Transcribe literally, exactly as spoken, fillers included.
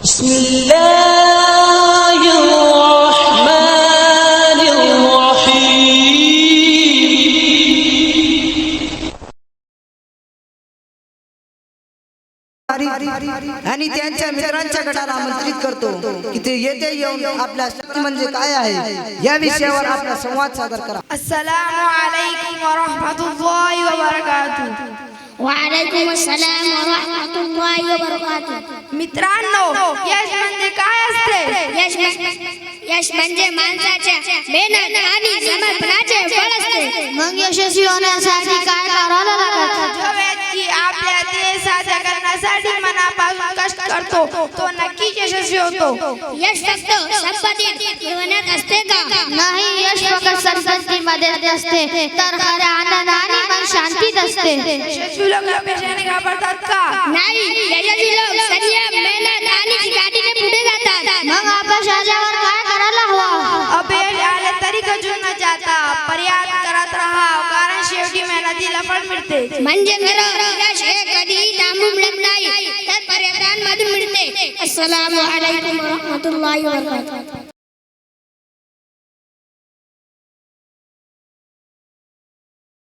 आणि त्यांच्या मित्रांच्या गटाला आमंत्रित करतो की ते येथे येऊन आपल्या शक्ती म्हणजे काय आहे या विषयावर आपला संवाद सादर करा. अस्सलामु अलैकुम व रहमतुल्लाहि व बरकातुहू. वालेकुम अस्सलाम व रहमतुल्लाहि व बरकातुहू. मित्रांनो, यश म्हणजे काय असते? यश यश म्हणजे माणसाच्या मेहनत आणि समर्पणाचे फळ असते. मग यशस्वी होण्यासाठी काय करायला लागतं? जो व्यक्ती आपल्या ध्येय साध्य करण्यासाठी मनापासून कष्ट करतो तो नक्कीच यशस्वी होतो. यश फक्त संपत्तीत मिळवण्यात असते का? नाही, यश फक्त संपत्तीमध्ये असते तर खऱ्या आनंद आणि मन शांतीत असते. यशस्वी लोक अपयशाने घाबरतात का? नाही, यशस्वी लोक संयम, मेहनत आणि चिकाटीने पुढे जातात. मग अपयश आल्यावर काय करायला हवं? अपयश आले तरी खचून न जाता प्रयत्न करत राहा, कारण शेवटी मेहनतीला फळ मिळते. म्हणजे खरं यश हे कधीही थांबून मिळत नाही तर प्रयत्नांमधून मिळते. अस्सलामु अलैकुम व रहमतुल्लाहि व बरकातुहू.